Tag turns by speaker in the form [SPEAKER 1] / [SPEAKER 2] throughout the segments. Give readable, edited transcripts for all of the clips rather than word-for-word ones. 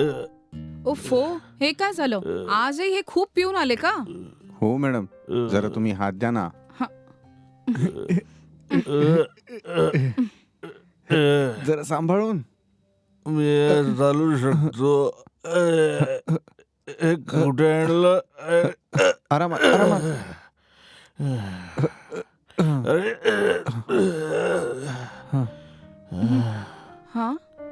[SPEAKER 1] ओफो, हे काय झालं? आजही हे खूप पिऊन आले का?
[SPEAKER 2] हो मॅडम, जरा तुम्ही हात द्या ना. जरा सांभाळून.
[SPEAKER 3] मी चालू शकतो. कुठे आणलं?
[SPEAKER 2] आरामात आरामात.
[SPEAKER 1] हा,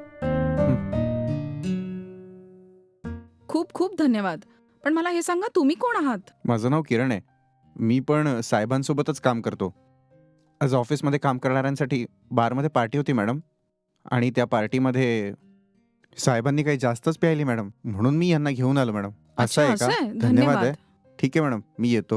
[SPEAKER 1] खूप खूप धन्यवाद. पण मला हे सांगा, तुम्ही कोण आहात?
[SPEAKER 2] माझं नाव किरण आहे. मी पण साहेबांसोबतच काम करतो. आज ऑफिसमध्ये काम करणाऱ्यांसाठी बारमध्ये पार्टी होती मॅडम, आणि त्या पार्टीमध्ये साहेबांनी काही जास्तच प्यायली मॅडम, म्हणून मी यांना घेऊन आलो मॅडम. असं आहे का? धन्यवाद आहे. ठीक आहे मॅडम, मी येतो.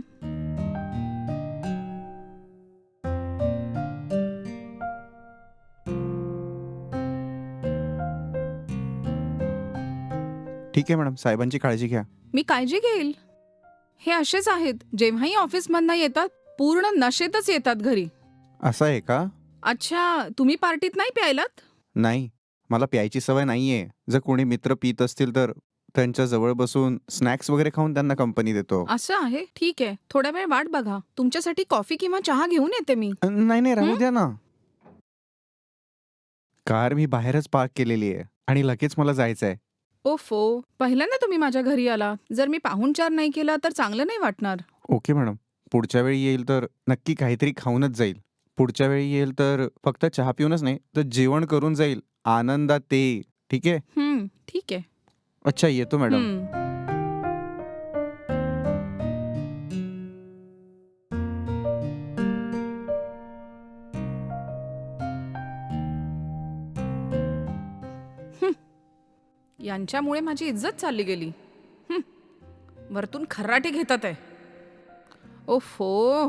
[SPEAKER 2] ठीक आहे मॅडम, साहेबांची काळजी घ्या.
[SPEAKER 1] मी काळजी घेईल. हे असेच आहेत, जेव्हाही ऑफिसमधनं येतात पूर्ण नशेतच येतात घरी.
[SPEAKER 2] असं आहे का?
[SPEAKER 1] अच्छा, तुम्ही पार्टीत नाही प्यायलात?
[SPEAKER 2] नाही, मला प्यायची सवय नाहीये. जर कोणी मित्र पित असतील तर त्यांच्या जवळ बसून स्नॅक्स वगैरे खाऊन त्यांना कंपनी देतो.
[SPEAKER 1] असं आहे, ठीक आहे. थोडा वेळ वाट बघा, तुमच्यासाठी कॉफी किंवा चहा घेऊन येते मी.
[SPEAKER 2] नाही नाही, राहू द्या ना. कार मी बाहेरच पार्क केलेली आहे आणि लगेच मला जायचंय.
[SPEAKER 1] ओफो, पहिल्यांदा तुम्ही माझ्या घरी आला. जर मी पाहुणचार नाही केला तर चांगलं नाही वाटणार.
[SPEAKER 2] ओके मॅडम, पुढच्या वेळी येईल तर नक्की काहीतरी खाऊनच जाईल. पुढच्या वेळी येईल तर फक्त चहा पिऊनच नाही तर जेवण करून जाईल आनंदात ते. ठीक आहे?
[SPEAKER 1] ठीक आहे.
[SPEAKER 2] अच्छा, येतो मॅडम.
[SPEAKER 1] यांच्यामुळे माझी इज्जत चालली गेली. वरतून खर्राटे घेतात आहे. ओफो.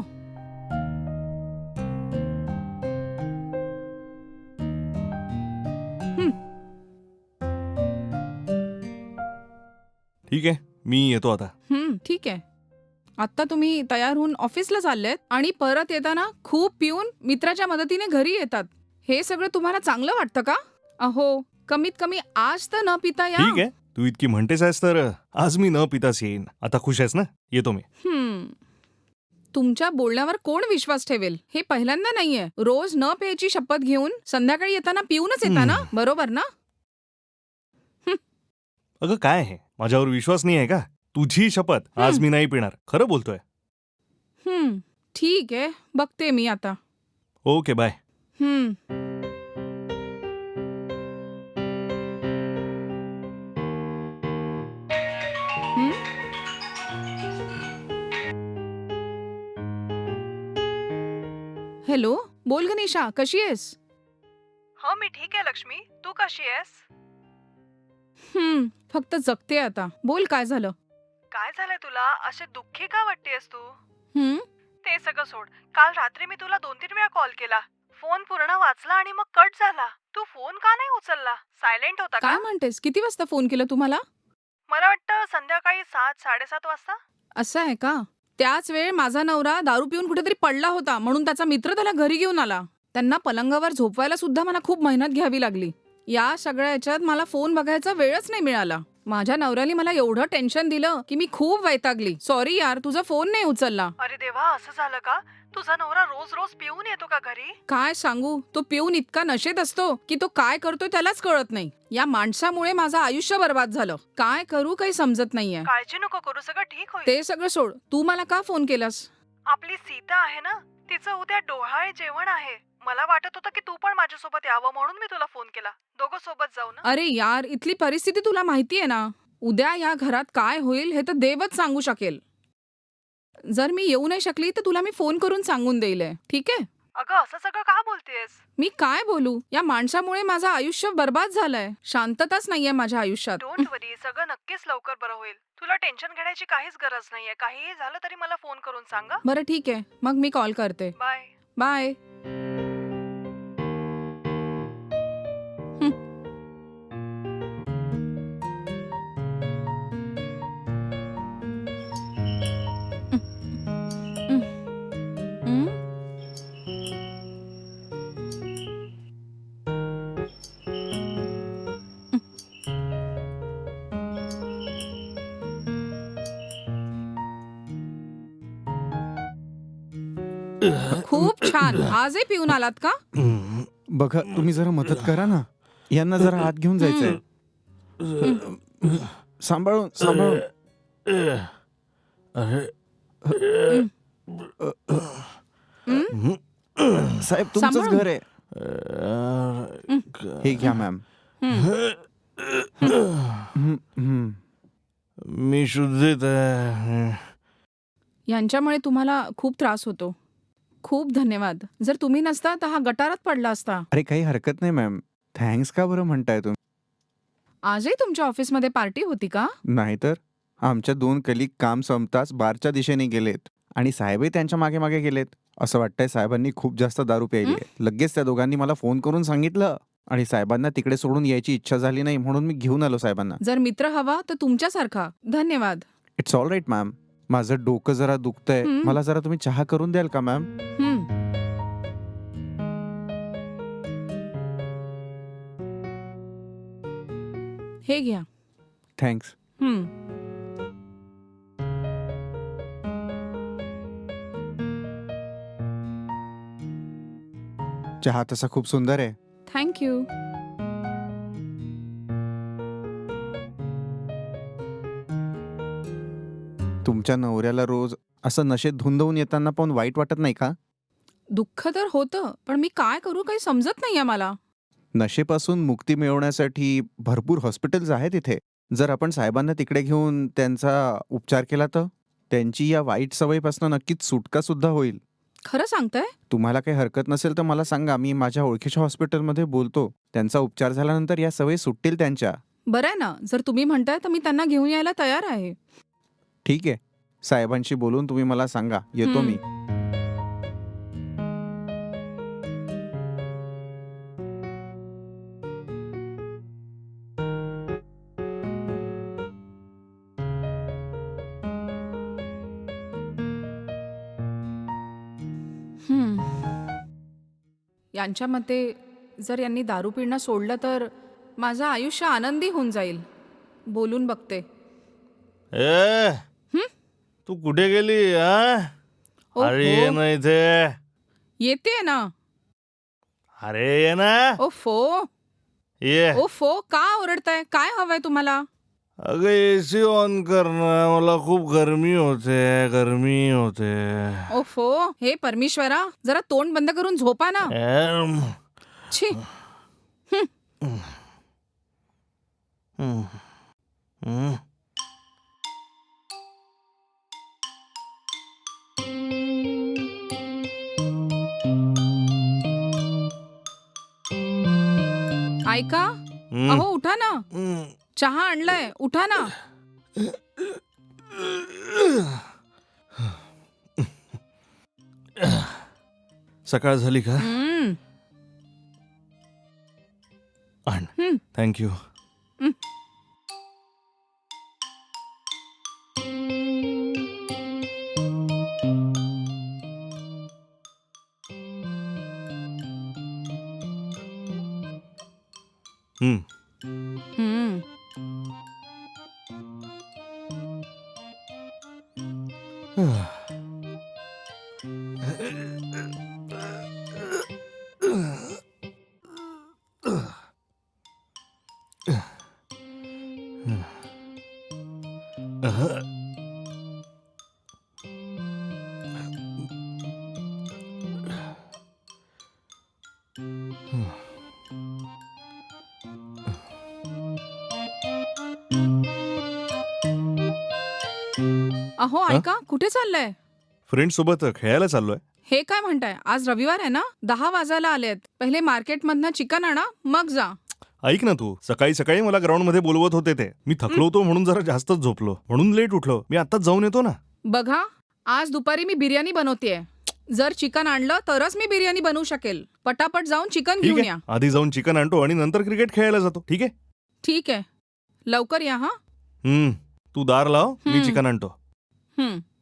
[SPEAKER 3] ठीक आहे, मी येतो आता.
[SPEAKER 1] ठीक आहे. आता तुम्ही तयार होऊन ऑफिसला चाललेत आणि परत येताना खूप पिऊन मित्राच्या मदतीने घरी येतात. हे सगळं तुम्हाला चांगलं वाटतं का? अहो, कमीत कमी आज तर न पिता या.
[SPEAKER 3] ठीक आहे, तू इतकी म्हणतेस आहेस तर आज मी न पिताच येईन. आता खुश आहेस ना? येतो मी.
[SPEAKER 1] तुमच्या बोलण्यावर कोण विश्वास ठेवेल? हे पहिल्यांदा नाहीये. रोज न प्यायची शपथ घेऊन संध्याकाळी येताना पिऊनच येता ना? बरोबर ना?
[SPEAKER 3] अगं काय आहे, माझ्यावर विश्वास नाही आहे का? तुझी शपथ, आज मी नाही पिणार. खरं बोलतोय.
[SPEAKER 1] ठीक आहे, बघते मी आता.
[SPEAKER 3] Okay, bye.
[SPEAKER 1] हॅलो, बोल गणेशा, कशी आहेस?
[SPEAKER 4] हो, मी ठीक आहे लक्ष्मी. तू कशी आहेस?
[SPEAKER 1] फक्त जगते आता. बोल, काय झालं?
[SPEAKER 4] काय झालंय तुला? असे दुःखी का वाटतेस तू?
[SPEAKER 1] हम्म
[SPEAKER 4] ते सगळं सोड. काल रात्री मी तुला 2-3 वेळा कॉल केला. फोन पूर्ण वाचला आणि मग कट झाला. तू फोन का नाही उचलला? सायलेंट होता का?
[SPEAKER 1] काय म्हणतेस? किती वाजता फोन केला तुम्हाला?
[SPEAKER 4] मला वाटतं संध्याकाळी 7-7:30 वाजता.
[SPEAKER 1] असं आहे का? त्याच वेळ माझा नवरा दारू पिऊन कुठेतरी पडला होता, म्हणून त्याचा मित्र त्याला घरी घेऊन आला. त्यांना पलंगावर झोपवायला सुद्धा मला खूप मेहनत घ्यावी लागली. या सगळ्या याच्यात मला फोन बघायचा वेळच नाही मिळाला. माझ्या नवऱ्याने मला एवढं टेन्शन दिलं की मी खूप वैतागली. सॉरी यार, तुझा फोन नाही उचलला.
[SPEAKER 4] अरे देवा, असं झालं का? तुझा नवरा रोज रोज पिऊन येतो का घरी?
[SPEAKER 1] काय सांगू, तो पिऊन इतका नशेत असतो की तो काय करतोय त्यालाच कळत नाही. या माणसामुळे माझं आयुष्य बर्बाद झालं. काय करू काही समजत नाहीये.
[SPEAKER 4] काळजी नको करू, सगळं ठीक होईल.
[SPEAKER 1] ते सगळं सोड, तू मला का फोन केलास?
[SPEAKER 4] आपली सीता आहे ना, तिचं उद्या डोहाळे जेवण आहे. मला वाटत होतं की तू पण माझ्यासोबत यावं, म्हणून मी तुला फोन केला. दोघं सोबत जाऊ ना?
[SPEAKER 1] अरे यार, इथली परिस्थिती तुला माहितीये ना. उद्या या घरात काय होईल हे तर देवच सांगू शकेल. जर मी येऊ नाही शकली तर तुला मी फोन करून सांगून देईल, ठीक आहे?
[SPEAKER 4] अगं, असं सगळं का बोलतेस?
[SPEAKER 1] मी काय बोलू, या माणसामुळे माझं आयुष्य बर्बाद झालंय. शांतताच नाहीये माझ्या आयुष्यात.
[SPEAKER 4] डोंट वरी, सगळं नक्कीच लवकर बरं होईल. तुला टेन्शन घेण्याची काहीच गरज नाहीये. काहीही झालं तरी मला फोन करून सांगा.
[SPEAKER 1] बरं ठीक आहे, मग मी कॉल करते.
[SPEAKER 4] बाय.
[SPEAKER 1] बाय. खूप छान. आजही पिऊन आलात का?
[SPEAKER 2] बघा तुम्ही जरा मदत करा ना, यांना जरा आत घेऊन जायचंय. सांभाळून सांभाळून. साहेब तुमचंच
[SPEAKER 1] सांभाळून.
[SPEAKER 2] घर आहे. हे घ्या मॅम.
[SPEAKER 3] मी शुद्धीत आहे.
[SPEAKER 1] यांच्यामुळे तुम्हाला खूप त्रास होतो. खूप धन्यवाद. जर तुम्ही नसता तर हा गटारात पडला असता.
[SPEAKER 2] अरे काही हरकत नाही मॅम. थँक्स का बरं म्हणताय तुम्ही?
[SPEAKER 1] आजही तुमच्या ऑफिसमध्ये पार्टी होती का?
[SPEAKER 2] नाहीतर आमच्या 2 कलिग काम संपताच बारच्या दिशेने गेलेत आणि साहेबही त्यांच्या मागे मागे गेलेत. असं वाटतंय साहेबांनी खूप जास्त दारू प्यायली आहे. लगेच त्या दोघांनी मला फोन करून सांगितलं आणि साहेबांना तिकडे सोडून यायची इच्छा झाली नाही म्हणून मी घेऊन आलो साहेबांना.
[SPEAKER 1] जर मित्र हवा तर तुमच्यासारखा. धन्यवाद.
[SPEAKER 2] It's all right ma'am. माझं डोकं जरा दुखतंय. मला जरा तुम्ही चहा करून द्याल का मॅम?
[SPEAKER 1] हं. हे घ्या.
[SPEAKER 2] थँक्स.
[SPEAKER 1] हं.
[SPEAKER 2] चहा तसा खूप सुंदर आहे.
[SPEAKER 1] Thank you.
[SPEAKER 2] तुमच्या नवऱ्याला रोज असं नशेत धुंदवून येताना पाहून वाईट वाटत नाही का?
[SPEAKER 1] दुःख तर होतं, पण मी काय करू काही समजत नाहीये मला.
[SPEAKER 2] नशेपासून मुक्ती मिळवण्यासाठी भरपूर हॉस्पिटल्स आहेत इथे. जर आपण साहेबांना तिकडे घेऊन त्यांचा उपचार केला तर त्यांची या वाईट सवयीपासून नक्कीच सुटका सुद्धा होईल.
[SPEAKER 1] खरं सांगताय?
[SPEAKER 2] तुम्हाला काही हरकत नसेल तर मला सांगा, मी माझ्या ओळखीच्या हॉस्पिटलमध्ये बोलतो. त्यांचा उपचार झाल्यानंतर या सवयी सुटतील त्यांच्या.
[SPEAKER 1] बरं आहे ना. जर तुम्ही म्हणताय तर मी त्यांना घेऊन यायला तयार आहे.
[SPEAKER 2] ठीक आहे. साहेबांशी बोलून तुम्ही मला सांगा. येतो मी.
[SPEAKER 1] हं. यांच्या मते जर यांनी दारू पिणं सोडलं तर माझं आयुष्य आनंदी होऊन जाईल. बोलून बघते.
[SPEAKER 3] ए तू कुठे गेली हा? अरे ये
[SPEAKER 1] ओहो.
[SPEAKER 3] ना इथे.
[SPEAKER 1] येते ना.
[SPEAKER 3] अरे ये ना.
[SPEAKER 1] ओफो.
[SPEAKER 3] ये.
[SPEAKER 1] ओफो. का ओरडताय? काय हवंय तुम्हाला?
[SPEAKER 3] अगं एसी ऑन कर ना. मला खूप गरमी होते.
[SPEAKER 1] ओफो. हे परमेश्वरा, जरा तोंड बंद करून झोपा ना. छी. ऐका. अहो उठा ना. चहा आणलाय. उठा ना.
[SPEAKER 3] सकाळ झाली का?
[SPEAKER 1] हं.
[SPEAKER 3] आण.
[SPEAKER 1] हं.
[SPEAKER 3] थँक्यू. हं.
[SPEAKER 1] हं. अहो ऐका. कुठे चाललंय?
[SPEAKER 3] फ्रेंड सोबत खेळायला चाललोय.
[SPEAKER 1] हे काय म्हणताय? आज रविवार आहे ना. 10 वाजायला आलेत. पहिले मार्केटमधनं चिकन आणा, मग जा.
[SPEAKER 3] ऐक ना तू, सकाळी सकाळी मला ग्राउंड मध्ये बोलवत होते ते. मी थकलो होतो म्हणून जरा जास्तच झोपलो, म्हणून लेट उठलो. मी आताच जाऊन येतो ना.
[SPEAKER 1] बघा, आज दुपारी मी बिर्याणी बनवतेय. जर चिकन आणलं तरच मी बिर्याणी बनवू शकेल. पटापट जाऊन चिकन
[SPEAKER 3] ठीक
[SPEAKER 1] घेऊन
[SPEAKER 3] आहे,
[SPEAKER 1] या.
[SPEAKER 3] आधी जाऊन चिकन आणतो आणि नंतर क्रिकेट खेळायला जातो. ठीक आहे.
[SPEAKER 1] ठीक आहे. लवकर या हा.
[SPEAKER 3] तू दार लाव, मी
[SPEAKER 1] हम्म.
[SPEAKER 3] चिकन आणतो.
[SPEAKER 1] हं.